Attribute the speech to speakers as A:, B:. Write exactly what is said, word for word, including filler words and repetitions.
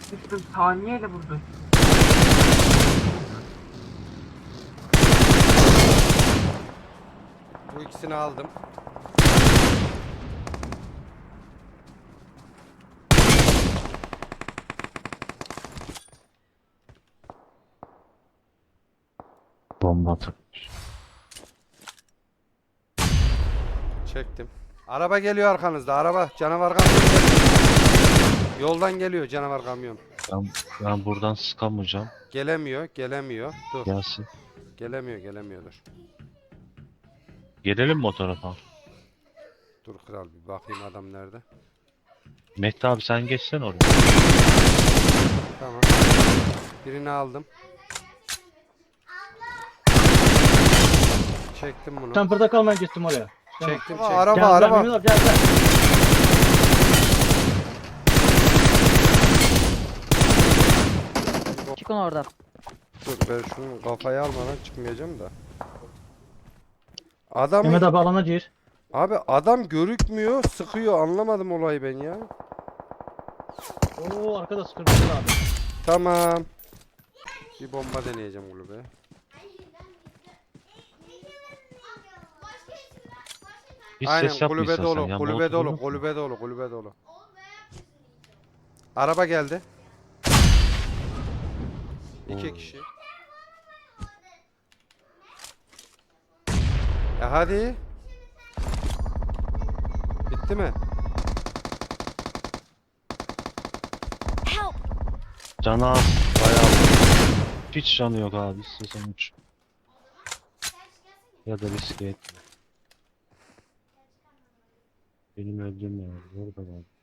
A: Sıktım saniyeyle vurdu.
B: Bu ikisini aldım.
C: Bomba atılmış.
B: Çektim. Araba geliyor arkanızda. Araba canavar kamyon geliyor. Yoldan geliyor canavar kamyon.
C: Ben, ben buradan sıkamayacağım.
B: Gelemiyor, gelemiyor. Dur.
C: Gelsin.
B: Gelemiyor, gelemiyor dur.
C: Gelelim mi o tarafa?
B: Dur kral bir bakayım adam nerede.
C: Mehdi abi sen geçsen oraya.
B: Tamam. Birini aldım. Çektim bunu.
D: Sen burada kalmaya gittim oraya. Tamam.
B: Çektim, Aa, çektim. araba,
D: Gel,
B: araba.
D: Gel, Mehmet abi, gel, gel.
E: Çıkın oradan.
B: Dur ben şunu kafaya almadan çıkmayacağım da. Adam
D: Mehmet abi alana gir.
B: abi adam görükmüyor, sıkıyor. Anlamadım olayı ben ya.
D: Oo arkada sıkıntı abi.
B: Tamam. Bir bomba deneyeceğim kulübe.
C: Hiç
B: Aynen
C: ses yapma
B: kulübe
C: istersen
B: dolu,
C: ya.
B: kulübe
C: Molotov
B: dolu,
C: yok mu?
B: kulübe dolu, kulübe dolu. Araba geldi. İki
C: Oo.
B: kişi. Ya hadi. Bitti mi?
E: Help!
C: Canı az. Bayağı. Hiç canı yok abi. İstiyorsan uç. Ya da riske etme. Benim öldüğüm yer. Orada var.